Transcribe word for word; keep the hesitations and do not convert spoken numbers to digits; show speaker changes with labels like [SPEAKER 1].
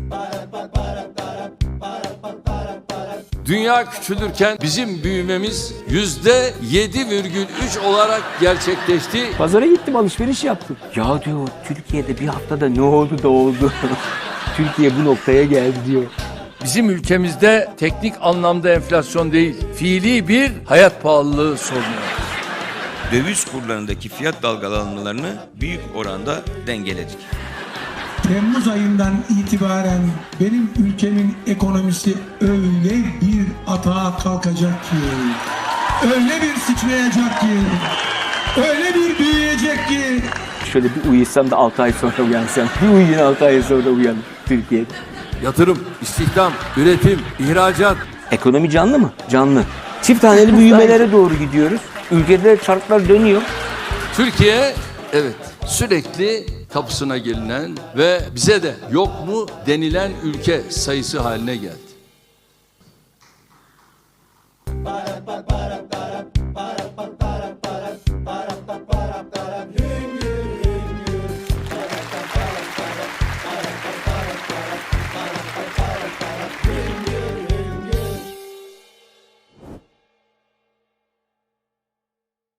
[SPEAKER 1] Dünya küçülürken bizim büyümemiz yüzde yedi virgül üç olarak gerçekleşti.
[SPEAKER 2] Pazara gittim, alışveriş yaptım. Ya diyor, Türkiye'de bir haftada ne oldu da oldu? Türkiye bu noktaya geldi diyor.
[SPEAKER 1] Bizim ülkemizde teknik anlamda enflasyon değil, fiili bir hayat pahalılığı sorunu var.
[SPEAKER 3] Döviz kurlarındaki fiyat dalgalanmalarını büyük oranda dengeledik.
[SPEAKER 4] Temmuz ayından itibaren benim ülkemin ekonomisi öyle bir atağa kalkacak ki, öyle bir sıçrayacak ki, öyle bir büyüyecek ki.
[SPEAKER 2] Şöyle bir uyusam da altı ay sonra uyansam. Bir uyuyun, altı ay sonra uyan Türkiye'de.
[SPEAKER 1] Yatırım, istihdam, üretim, ihracat.
[SPEAKER 2] Ekonomi canlı mı? Canlı. Çift haneli büyümelere doğru gidiyoruz. Ülkede çarklar dönüyor.
[SPEAKER 1] Türkiye, evet, sürekli kapısına gelinen ve bize de yok mu denilen ülke sayısı haline geldi.